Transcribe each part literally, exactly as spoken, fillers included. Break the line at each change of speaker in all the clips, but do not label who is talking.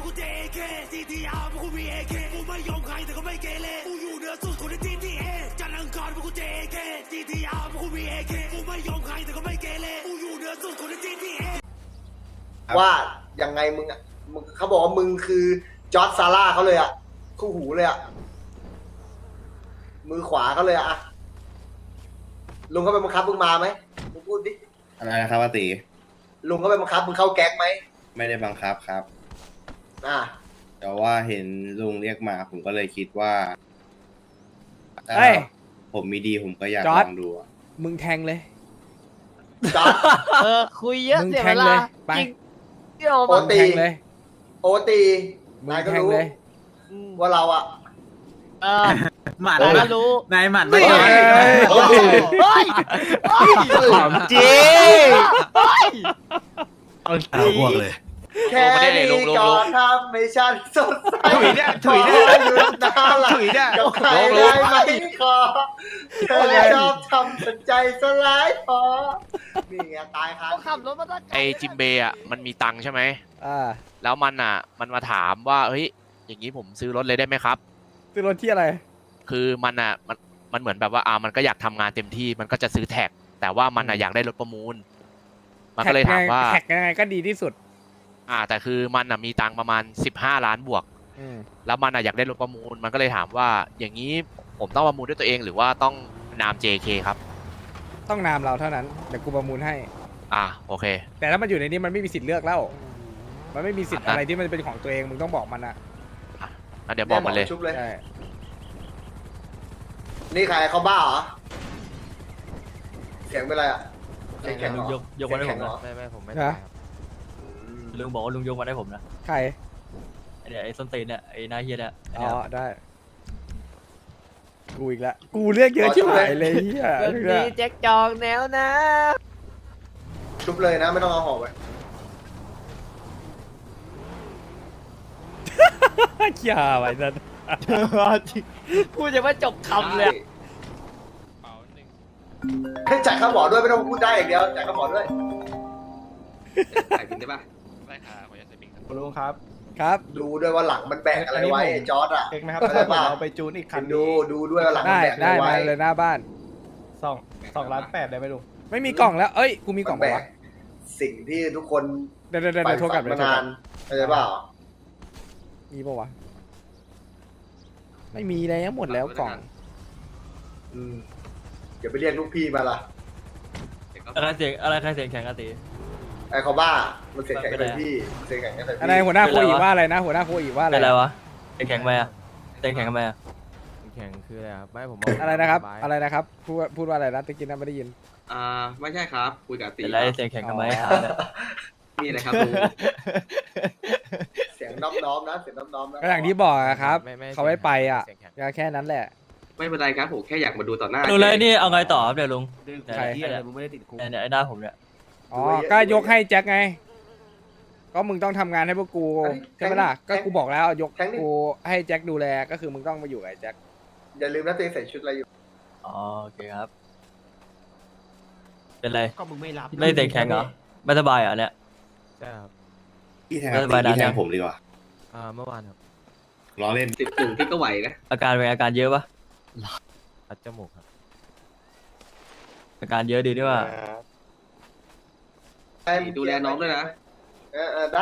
กูเจเคซีทีอาร์กูมีเอเคกูไม่ยอมใครแต่ก็ไม่เกเรกูอยู่เหนือสุดคนในทีทีเอจันทร์อังคารกูเจเคซีทีอาร์กูมีเอเคกูไม่ยอมใครแต่ก็ไม่เกเรกูอยู่เหนือสุดคนในทีทีเอ
ว่ายังไงมึงอ่ะมึงเขาบอกว่ามึงคือจอร์จซาร่าเขาเลยอ่ะคู่หูเลยอ่ะมือขวาเขาเลยอ่ะลุงเขาไปบังคับมึงมาไหมมึงพูดดิ
อะไรนะครับอาติ
ลุงเขาไปบังคับมึงเข้าแก๊งไหม
ไม่ได้บังคับครับ
อ่า
แต่ว่าเห็นลุงเรียกมาผมก็เลยคิดว่า
เฮ้ย
ผมมีดีผมก็อยากลองดู
มึงแทงเลย
จอร์จ
เออคุยเยอะ
มึง
เสีย
แท
เว
งเล
ลาย
ไป
จริงเดี๋ยว
โอ
มา
ตี
แทงเลย
โอตี
มึง
นายก็
แทง
รู้
เลย
ว่าเราอ่ะ
เออ
หมัด
ผมก็รู้
นายหมัด
เฮ้
ไม่
ย
ใช่
เฮ้ย
เฮ้ยเฮ้ย
หอมจริง
เฮ้ย
เอาพวกเลย
แค่นี้ก็ทำให้ฉันสดใส
ถุยเนี่ยถุยเนี่ย
ขอหยุดน้ำไหล
ถุยเนี่ย
กับใครได้ไหมขอเธอชอบทำสนใจสลายพอนี่ไงตายครับ
เขาขับรถมาตั้ง
ไอจิมเบย์อ่ะมันมีตังค์ใช่ไหม
อ่า
แล้วมันอ่ะมันมาถามว่าเฮ้ยอย่างนี้ผมซื้อรถเลยได้ไหมครับ
ซื้อรถที่อะไร
คือมันอ่ะมันมันเหมือนแบบว่าอ่ามันก็อยากทำงานเต็มที่มันก็จะซื้อแท็กแต่ว่ามันอ่ะอยากได้รถประมูลมันก็เลยถามว่า
แท็กยังไงก็ดีที่สุด
อ่าแต่คือมันอ่ะมีตังค์ประมาณสิบห้าล้านบวก
อืม
แล้วมันอ่ะอยากได้รถประมูลมันก็เลยถามว่าอย่างนี้ผมต้องประมูลด้วยตัวเองหรือว่าต้องนาม เจ เค ครับ
ต้องนามเราเท่านั้นเดี๋ยวกูประมูลให้
อ่าโอเค
แต่ถ้ามันอยู่ในนี้มันไม่มีสิทธิ์เลือกแล้ว มันไม่มีสิทธิ์
อ่ะ
อะไรที่มันเป็นของตัวเองมึงต้องบอกมันอะ
อ่ะเดี๋ยวบอกมันเลย
ชุบเลย
ใช่
นี่ใครเขาบ้าเหรอเสียงเป็นไรอ่ะเสียงแข็งเหรอย
กยกมาให้ผม
เสียงแข็งเหรอ
ไม่ไม่ผมไม่
นะ
ลุงบอกว่าลุงยกมาให้ผมนะ
ใคร
ไอ้เนี่ยไอ้ส้นตีนเนี่ยไอ้หน้าเฮียเนี่ย
อ๋อได้กูอีกแล้วกูเรียกเยอะชิบหายเลยเฮีย
เรื่องนี้แจ็คจองแนวนะ
ชุบเลยนะไม่ต้องเอาหอกไป
เขี้ยไว้นั่น
พูดจะว่าจบคำเลย
ให้จ่ายค่าหมอด้วยไม่ต้องพูดได้อย่างเดียวจ่ายค่าหมอด้วย
ถ่ายจริงได้ป่ะ
ได้ค่ะขออนุญาตใส่บิง
คุณลุงครับ
ครับ
ดูด้วยว่าหลังมันแบกอะไรไว้ไอ้จอร์ดอ่ะ
เอกไหมครับ
เข้าใจป่ะ
เราไปจูนอีกคัน
ดูดูด้วยว่าหลังมั
ได้
นแบกอะไร
ได้
ไว้
มาเลยหน้าบ้าน
สองสองล้านแปดได้ไหมลุง
ไม่มีกล่องแล้วเอ้ยกูมีกล่
มั
อง
นแบ
ปะ
ก
วะ
สิ่งที่ทุกคน
เดี๋ยวเดี๋ยวเดี๋ยว
ไป
โทรกลั
ฝั
บ
น
เดี๋ย
มาว
โทร
นาก
ลั
น
บ
เข้าใจเปล่า
มีปะวะไม่มีแล้วหมดแล้วกล่อง
อืมอย่าไปเรียกลูกพี่มาล่ะ
อะไรเสียงอะไรใครเสียงแข็งอะตี
ไอ้เขาบ้ามันเสียงแข็งใส่พี่มันเสียงแข็งใส่
อะไร
พี่
หัวหน้า
เป็น
โค
ไร
อี
วะ
ว่าอะไรนะหัวหน้าโคอีว่าอะไร
เป็นอะไรวะเสียงแข็งไหมอะเสียงแข็งทำไมอะ
แข่งคืออะไรครับไม่ผม
อะไรนะครับ อะไรนะครับพูดพูดว่าอะไรนะตะกี้นั้นไม่ได้ยิน
อ่าไม่ใช่ครับคุยกับตี
เป็นไรเสียงแข็งทำไม
อ๋อ
ถามเนี่ย
มีอะไรครับลุง
เสียงน้อมน้อมๆนะเสียงน้อมน้อมๆนะ
ก็อย่างที่บอกอะครับ
ไม่ไม่
เขาไม่ไปอ่ะ
เสียงแข็ง
ก็แค่นั้นแหละ
ไม่เป็นไรครับผมแค่อยากมาดูต่อหน้า
ลุงเลยนี่เอาไงต่อครับเดี๋ยวลุง
ใคร
เนี่ย
มึงไม่ได้ติดคุก
เนี่ยไอ้หน้าผมเนี่ย
อ๋อก็ยกให้แจ็คไง ก็มึงต้องทำงานให้พวกกูใช่ไหมล่ะก็กูบอกแล้วยกกูให้แจ็คดูแลก็คือมึงต้องมาอยู่กับไอ้แจ็ค
อย่าลืมนะตัวเองใส่ชุดอะไรอยู่
อ๋อโอเคครับ เป็นไร
ก็มึงไม่รับ
ไม่เสียงแข็งเหรอไม่สบายเหรอเนี่ย
ใช่ครับ
พี่แทง
ไม่สบายนะ
พี่แทงผมดีกว่า
อ่าเมื่อวานครับ
ล้อเล่น
สิบหนึ่งที่ก็ไหวนะ
อาการเป็นอาการเยอะปะ
อัดจมูกครับ
อาการเยอะดีด้วยว่า
ดูแลน้องด้วยนะ
เออเออได้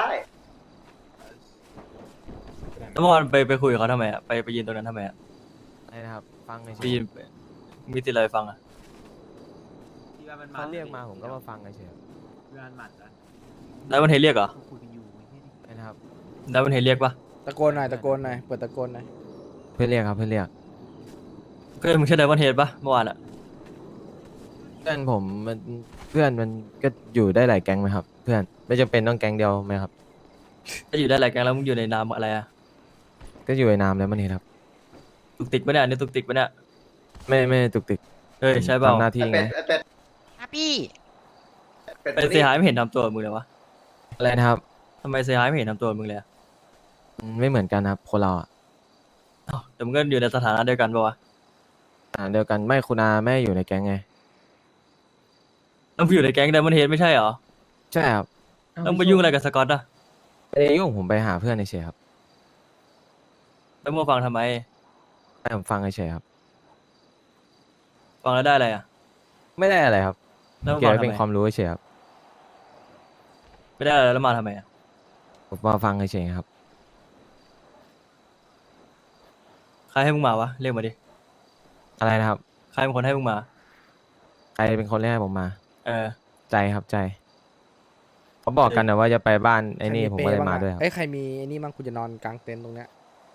แล้วเมื่อวานไปไปคุยกับเขาทำไมอ่ะไปไปยืนตรงนั้นทำไมอ่ะ
อะไรนะครับฟังเฉ
ไปยื
ย
นมีติดอะไรฟังอ่ะ
ๆเขาเรียกมาผมก็มาฟังเฉย
แล้วมันเฮเรียกเหรอ
ๆนะครับ
แล้วมันเฮเรียกปะ
ตะโกนหน่อยตะโกนหน่อยเปิดตะโกนหน่อย
เพื่อนเรียกครับเพื่อนเรียก
เพื่อนมึงใช่ไดมอนเฮดปะเมื่อวานอ่ะ
เพื่อนผมมันเพื่อนมันก็อยู่ได้หลายแก๊งไหมครับ เพื่อนไม่จำเป็นต้องแก๊งเดียวไหมครับ
ถ้าอยู่ได้หลายแก๊งแล้วมึงอยู่ในนามอะไรอ่ะ
ก็อยู่ในนามแล้วมันเห็นครับ
ตุกติกปะเนี่ยอันนี่ตุกติกปะเนี่ย
ไม่ไม่ตุกติก
เฮ้ยใช่เปล่า
ทำหน้าที่
ไอ้
ไง
เป็ดไอ้เป็ด
ครับพี่
เป็ด
ไปเซฮายไม่เห็นทำตัวมึงเลยวะ
อะไรนะครับ
ทำไมเซฮายไม่เห็นทำตัวมึงเลยอะ
อืมไม่เหมือนกันครับคนเราอ่ะ
อ้าวแต่มึงก็อยู่ในสถานะเดียวกันปะวะ
อ่าเดียวกันไม่คุณอาไม่อยู่ในแก๊งไง
ต้องอยู่ในแก๊งไดมอนเฮดไม่ใช่เหรอ
ใช่ครับ
ต้องไปยุ่งอะไรกับสกอตอ่ะ
ไม่ได้ยุ่งผมไปหาเพื่อนเฉยๆครับ
แล้วมึงฟังทำไม
ให้ผมฟังเฉยๆครับ
ฟังแล้วได้อะไรอ่ะ
ไม่ได้อะไรครับ
แล้วมึง
เก็บ
ฟัง
ไว้
ทำ
เป็น
ไม
ความรู้เฉยๆครับ
ไม่ได้อะไรแล้วมาทำไมอ่ะ
ผมมาฟังเฉยๆครับ
ใครให้มึงมาวะเรียกมาดิ
อะไรนะครับ
ใครเป็นคนให้มึงมา
ใครเป็นคนเรียกให้ผมมา
เออ
ใจครับใจเขาบอกกันนะว่าจะไปบ้านไอ้นี่
ใคร
ผมก็เลย
ป
มา
บ้งอะ
ด้วยครับ
เอ้ยใครมีไอ้นี่มั่งกูจะนอนกลางเต็นท์ตรงเนี้ย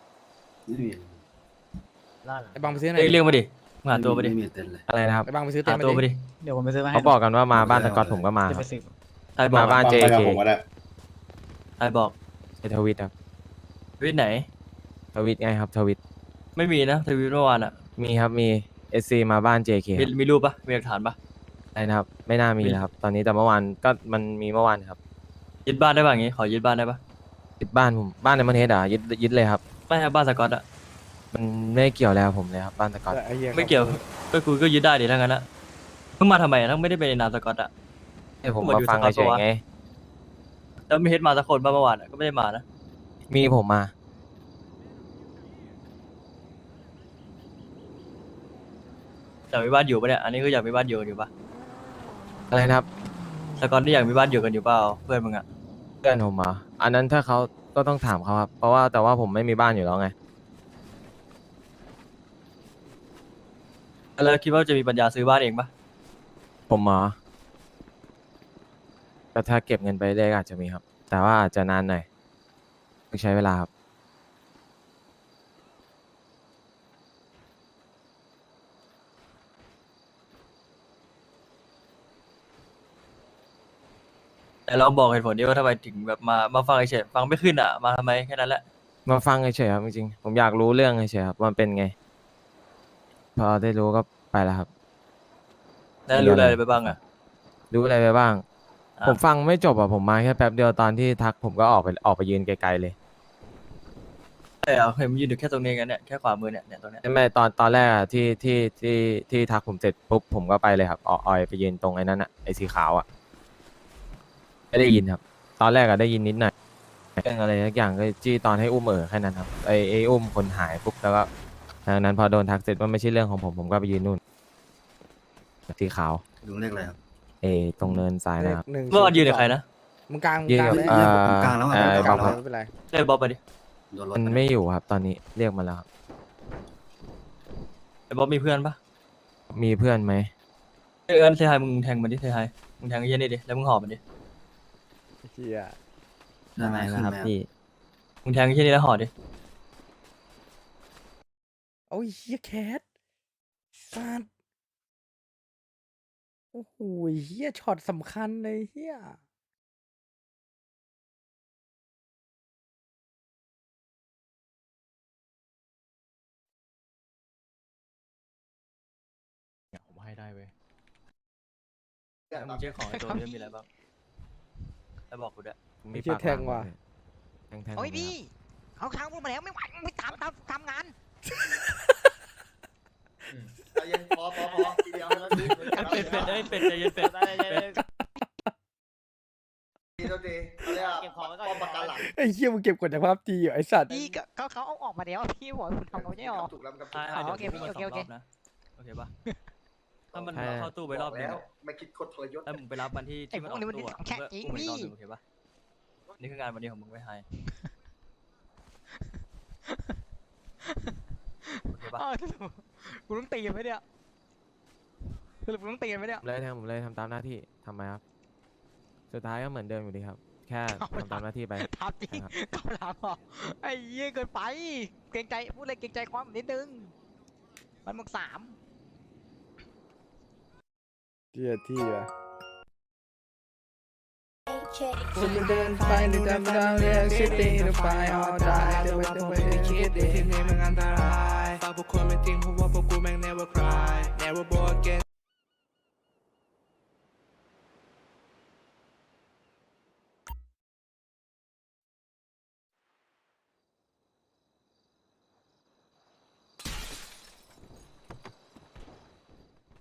ไอ้บังไปซื้อหน่อ
เรีย
ย
กเรียกมาดิมึงหาตัวมาดิ
อะไรนะครับ
ไอ้บังไปซื้อเต็น
หา
ท์มา
ตัวมา
ดิ
ดิ
เดี๋ยวผมไปซื้อมาให้
เขาบอกกันว่ามาบ้านตะกอตผมก็มา
จะ
ค
ไป
รับ
ซื้อ
ใครบอก
มาบ้าน
ฟัง
เจ
ไปกับ
เค
ผมก็ได้
ใครบอก
ในทวิตครับ
วิทย์ไหน
ทวิตไงครับทวิต
ไม่มีนะทวิตเมื่อวานอ่ะ
มีครับมีเอซีมาบ้าน เจ เค
มีมีรูปปะมีหลักฐานปะ
อะไรนะครับ ไม่น่ามี
มี
นะครับ ตอนนี้แต่เมื่อวานก็มันมีเมื่อวานครับ
ยึดบ้านได้ปะอย่างงี้ ขอยึดบ้านได้ปะ
ยึดบ้านผมบ้านในประเทศอ่ะยึดยึดเลยครับ
ไม่ครับบ้านสกอตอะ
มันไม่เกี่ยวแล้วผมเลยครับบ้านตะกอต
ไอ้หี้
ไม่เกี่ยว ก็กูก็ยึดได้ดิถ้างั้นอะมึงมาทำไมอะถ้าไม่ได้เป็นในนามสกอตอะ
ให้ผม
ผม
มา
อยู่
ฟัง
สกอต
เฉย
ปะวะ
ๆไง
แล้วมีเฮดมาสักคนปะเมื่อวานอะก็ไม่ได้มานะ
มีผมมา
อยากมีบ้านอยู่ปะเนี่ย อันนี้คืออยากมีบ้านอยู่กันอยู่ปะ
อะไรนะครับ
สกอตนี่อยากมีบ้านอยู่กันอยู่เปล่าเพื่อนมึงอะ
เพื่อนผมเหรออันนั้นถ้าเขาก็ต้องถามเขาครับ เพราะว่าแต่ว่าผมไม่มีบ้านอยู่แล้วไง
แล้วคิดว่าจะมีปัญญาซื้อบ้านเองปะ
ผมเหรอก็ถ้าเก็บเงินไปเรื่อยๆก็อาจจะมีครับ แต่ว่าอาจจะนานหน่อยต้องใช้เวลาครับ
แต่ลองบอกเหตุผลดิว่าทำไมถึงแบบมามาฟังเฉยๆฟังไม่ขึ้นอะมาทำไมแค่นั้นแหละ
มาฟังเฉยๆครับจริงๆผมอยากรู้เรื่องเฉยๆครับว่ามันเป็นไง พอได้รู้ก็ไปแล้วครับ
แล้วรู้อะไรไปบ้างอะ
รู้อะไรไปบ้าง
อ่ะ
ผมฟังไม่จบอ่ะผมมาแค่แป๊บเดียวตอนที่ทักผมก็ออกไปออกไปยืนไกลๆเลย
ใช่เอาเห็นมันยืนอยู่แค่ตรงนี้กันเนี่ยแค่ขวามือเนี่ยเนี่ยตรงเนี้ย
ไม่ตอนตอนแรกอะที่ที่ที่ที่ทักผมเสร็จปุ๊บผมก็ไปเลยครับออกออยไปยืนตรงไอ้นั้นอ่ะไอ้สีขาวอ่ะไม่ได้ยินครับ ตอนแรกอะได้ยินนิดหน่อยเรื่องอะไรสักอย่างก็จี้ตอนให้อุ้มเอ๋อแค่นั้นครับไอ้ไอ้อุ้มคนหายปุ๊บแล้วก็ทางนั้นพอโดนทักเสร็จว่าไม่ใช่เรื่องของผมผมก็ไปยืนนู่นสีขาว
ลุงเรียกอะไรครับ
เอตรงเนินซ้ายนะครับ
หนึ่ง
เมื่อวานยืนกับใครนะ
มึงกลางมึง
ยืน
กลาง
กับ
เลย
เอ่อ
ผมกลางแล้วอะ
เอ่อ
ผมกลาง
ครับ
ไม่เป็นไร
เรียกบ๊อบมาดิ
โดนรถ
มันไม่อยู่ครับ ตอนนี้เรียกมาแล้วครับ
ไอ้บ๊อบมีเพื่อนปะ
มีเพื่อนไหม
เออเอิญเซฮายมึงแทงมันดิเซฮายมึงแทงไอ้เหี้ยนี่ดิแล้วมึงหอบมันดิ
เฮีย
ได้ไหมนะครับพี่
มึงแทงไอ้เหี้ยนี่แล้วหอบดิ
โอ้ยเฮียแคทสัตว์โอ้โหเฮียช็อตสำคัญเลยเฮีย
ผมให้ได้เว้ยแล้วมึงเช็คของไอ้ตัวนี้มีอะไรบ้างแล้วบอกกูด้วย
ผมมี
เฮีย
ปาก
แทงว่ะ
แทงแทง
โอ้ย
ผม
พี่
นะครับ
เขาค้างพูดมาแล้วไม่ไหวไม่ทำทำทำงาน
ใจเย็นพอพอพอทีเดียวแล้วที
เป็ดเป็ดเอ้ยเป็ดใจเย็นเป็ดเป็ด
ทีเดียวทีเขาเรียกว่าป้อมปราการหลัง
ไอ้เฮียมึงเก็บกดจากภาพจีอยู่ไอ้สัตว์
พี่ก็เขาเขาเอาออกมาแล้วพี่บอกคุณทำเขาไม่ออก
ถูกแล้วมันก็
ใช่
อ๋อ
เดี๋ยว
โอเค
พูดมาส
โอ
อง
เค
รอบนะโอเคปะถ้ามัน
ใช่
เข้าตู้ไปรอบนึง
แล้ว
อะ
ไม่คิดคดทรยศ
แล้วมึงไปรับมันที่ที่มันออกตู้อะมึงก็อุ้มมันอีกรอบนึงโอเคปะนี่คืองานวันนี้ของมึงไม่ให้โอเคปะ
อ้าวสรุปกูต้องตีกันไหมเนี่ยสรุปกูต้องตีกันไหมเนี่ย
ผมเลยทำผมเลยทำตามหน้าที่ทำไมครับ สุดท้ายก็เหมือนเดิมอยู่ดีครับ แค่ทำตามหน้าที่ไป
ทำจริง
ครับ
กำลังอ่ะไอ้เหี้ยเกินไป เกรงใจพูดเลยเกรงใจความนิดนึง มันมึงสาม
เฮียที่ว่ะคุณเดินไปในดำดำเรียกซิตี้ในไฟออดายเดี๋ยวไปเดี๋ยวไปคิดดิที่นี่มันอันตรายฝากพวกคนไม่จริงเพราะว่าพวกกูแม่ง never cry never born again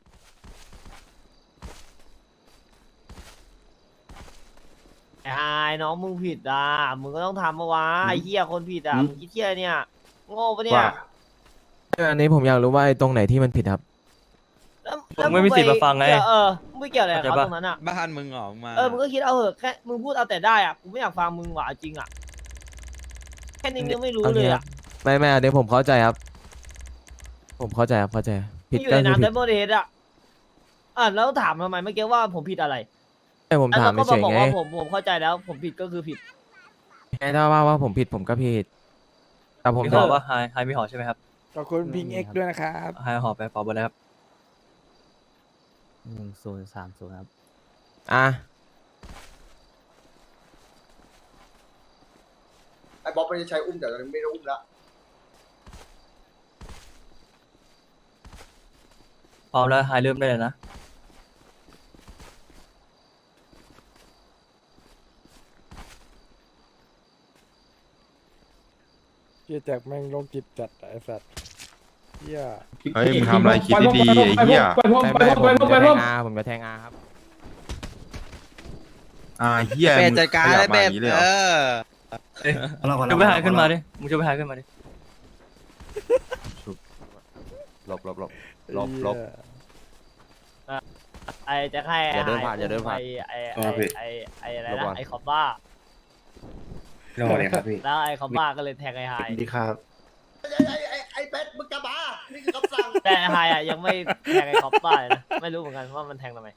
ไอ้
น้องมึงผิดอ่ะมึงก็ต้องทำมาวะไอ้เหี้ยคนผิดอ่ะ
อืม
มึงคิดเหี้ยเนี่ยโง่ปะเนี่ย
ว่า
อันนี้ผมอยากรู้ว่าไอ้ตรงไหนที่มันผิดครับ
แล้ว
ผมไม่มีสิทธิ์มาฟังไง
เกี่ยวเออมึงไม่เกี่ยวอะไรกับ
เข้า
เขา
ใจปะ
ตรงนั้นอ่ะ
บ้านมึงเหรอมา
เออมึงก็คิดเอาเหอะแค่มึงพูดเอาแต่ได้อ่ะกูไม่อยากฟังมึงว่ะจริงอ่ะแค่นี้มึงยังไม่รู้
โอเค
เลย
ครั
อ่ะ
บ ไม่ไม่อันนี้ผมเข้าใจครับ ผมเข้าใจครับเข้าใจผิ
มึ
ด
งอยู่
ก็
ใน
คือ
น้ำ
ผิ
เด
ด
มโมเดสอ่ะอ่ะแล้วถามทำไมเมื่อกี้ว่าผมผิดอะไร
ให้ผม
อ่ะ
ถาม
แล้วก็
เฉย
บอก
ๆไง
ว่าผมผมเข้าใจแล้ว ผมผิดก็คือผิด
ไงถ้าว่าว่าผมผิดผมก็ผิด แต่ผม
มี
ถ
ห
อ
อบ ปะไฮไฮมีหอใช่ไหมครับ
ขอบคุณพิงเอ็กด้วยนะครับ
ไฮหอไปเป่าเบอร์แล้วครับ
หนึ่งศูนย์สามศูนย์ครับ
อ่ะ
ไอ้บ๊อบไม่ได้ใช้อุ้มแต่ตอนนี้ไม่ได้อุ้มแล้ว
พร้อมแล้วไฮเริ่มได้เลยนะ
เฮียแจ็คแม่งโรคจิตจัดไอ้สัตว์เฮีย
เฮ้ยมึงทำอะไรคิดดีๆไอ้เหี้ย
ไม่ไม่ผมจะแทงอาผมจะแทงอาครับ
อ่าเหี้ย
เป็ด
มึง
จัดการ
ขยั
เลย
บมา
เป็
อ
ด
ย่างนี้เลยเหร
เอ
อ
อ
ช่วยไปไฮขึ้นมาดิ มึงช่วยไปไฮขึ้นมาดิ
หลบหลบหลบ
หลบหลบ
ไอ้จะให้
อย่าเดินผ่านอย่าเดินผ่าน
ไอ้ไอ้
อ๋อผิด
ไอ้ไอ้อะไร
หลบก่อน
นะไอ้คอมบ้า
โน่เลยครับพี่
แล้วไอ้คอมบ้าก็เลยแทงไอ้ไฮ
ดีครับไอ้ไอ้ไอ้ไอ้เป็ดมึงกลับมานี่คือคำสั่ง
แต่ไอ้ไฮอ่ะยังไม่แทงไอ้คอมบ้าเลยนะไม่รู้เหมือนกันว่ามันแทงทำไม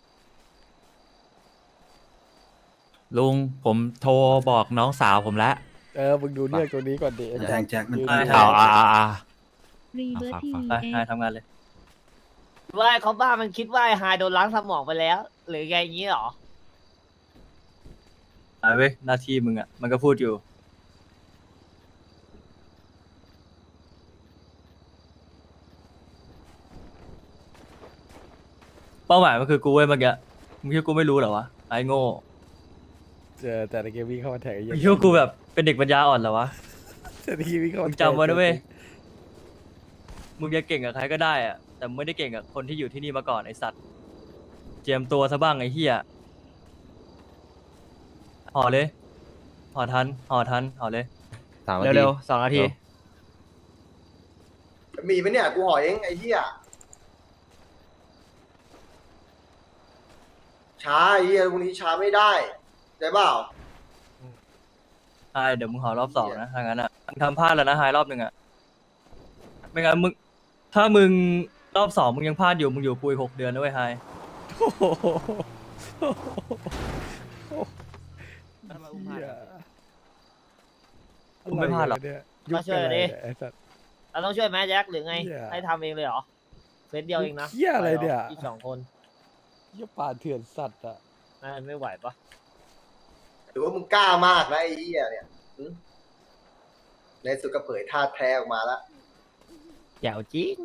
ลุงผมโทรบอกน้องสาวผมแล้ว
เออมึงดูเรื่องตัวนี้ก่อนดิไอ้
แทงแจ็คมัน
ยื
ไป
ดู
เอา
อ่าอ่าอ่า
รีเบิร์ที
ไปไฮทำงานเลย
ว่าไอ้คอมบ้ามันคิดว่าไอ้ไฮโดนล้างสมองไปแล้ว หรือไงอย่างนี้หรอ
ไฮเว้ยหน้าที่มึงอ่ะ มันก็พูดอยู่ เป้าหมายมันคือกูเว้ยเมื่อกี้มึงคิดว่ากูไม่รู้เหรอวะ ไอ้โง่
เจอแต่ในเกมวิ่งเข้ามาแทงไอ้เหี้
มึ
ย
งคิดว่ากูแบบเป็นเด็กปัญญาอ่อนเหรอวะ
แต่ในเกมวิ่งเข้า
มึ
มาง
จำไว้นะเว้ย มึงจะเก่งกับใครก็ได้อะแต่มึงไม่ได้เก่งกับคนที่อยู่ที่นี่มาก่อนไอสัตว์ เจียมตัวซะบ้างไอ้เหี้ยห่อเลยห่อทันห่อทันห่อเลย
สามนาที
เร็วๆสองนาที
มีไหมเนี่ยกูห่อเองไอ้เหี้ยช้าไอ้เหี้ยพวกนี้ช้าไม่ได้ได้เปล่า
ใช่เดี๋ยวมึงห่อรอบสองนะถ้างั้นอ่ะมึงทำพลาดแล้วนะไฮรอบหนึ่งอ่ะ ไม่งั้นมึง ถ้ามึงรอบสองมึงยังพลาดอยู่มึงอยู่ปุยหกเดือนนะเว้ยไฮ
โอ้โหเหี้ย
มึงไม่พลาดหรอก
ะไวะเนี่ย
มาช่วยดิ
ไอ้สัตว์
เราต้องช่วยแม่แจ็คหรือไง
เหี้ย
ให้ทำเองเลยเหรอเฟสเดียวเองนะ
เหี้ยอะไรเนี่ย
อีกสองคน
เหี้ยป่าเถื่อนสัตว์อ่ะ
น่าจะไม่ไหวปะ
หรือว่ามึงกล้ามากนะไอ้เหี้ยเนี่ยหึในสุดก็เผยท่าแท้ออกมาแล้ว
แจ๋วจริง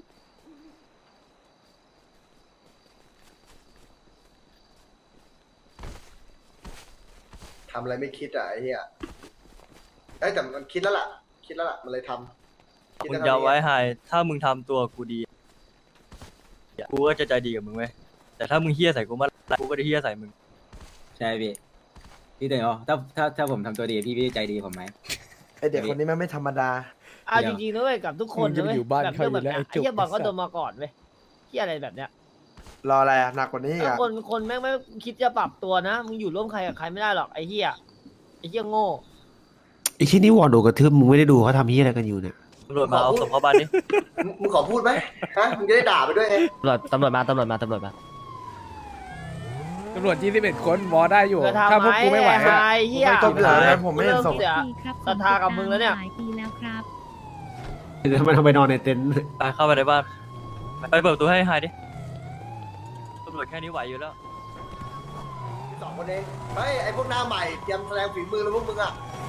ทำอะไรไม่คิดอ่ะไอ้เหี้ยเอ้ยแต่มันคิดแล้วล่ะ คิดแล้วล่ะ มันเลยทำคิด
มึ
แล้ว
ง
ทำ
จะไว้
นี่
ไฮถ้ามึงทำตัวกูดี กูก็จะใจดีกับมึงเว้ยแต่ถ้ามึงเฮี้ยใส่กูเมื่อไหร่กูก็จะเฮี้ยใส่มึง
ใช่พี่พี่เต๋อถ้าถ้าถ้าผมทำตัวดีพี่พี่ใจดีผมไหม
ไอเด็กคนนี้มันไม่ธรรมดา
เอาจริงๆนะเว้ยกับทุกคน
มึงจะ
นะ
ไป
เว้ย
อยู่บ้าน
แบบ
เขา
เรื่อง
อ
แบบ
ยู่แล้ว
เนี้ย
ไอ้
ไอ้เหี้ยบอลก็
จุก
โดนมาก่อนเว้ยเหี้ยอะไรแบบเนี้ย
รออะไรอ่ะหนักกว่านี้อีก
ถ้า
อ่ะ
คนคนแม่งไม่คิดจะปรับตัวนะมึงอยู่ร่วมใครกับใครไม่ได้หรอกไอ้เหี้ยไอ้เหี้ยโง่
ไอ้ที่นี่วอนโดกระทืบมึงไม่ได้ดูเขาทำยี่อะไรกันอยู่เนี่ย
ตำรวจมาเอาศพเข้าบ้านดิ
มึงมึงขอพูดไหมฮะ มึงจะได้ด่าไปด้วยไง
ตำรวจตำรวจมาตำรวจมาตำรวจมา
ตำรวจยี่สิบเอ็ดคนวอได้อยู่
เธอทำ
ถ้าพวกกูไม่ไหว
ไอ้
อะ
ไอ้เหี้ย
ไม่ต้องเดือดนะผมไม่เห็นศพ
เสีย ศรัทธากับมึงแล้วเนี่ย
หลายปีแล้วครับ
ทำไมทำไมนอนในเต็นท์
ไปเข้าไปในบ้าน ไปเปิดประตูให้ไฮดิ ตำรวจแค่นี้ไหวอยู่แล้ว
สองคนเองเฮ้ยไอพวกหน้าใหม่เตรียมแสดงฝีมือแล้วพวกมึงอ่ะ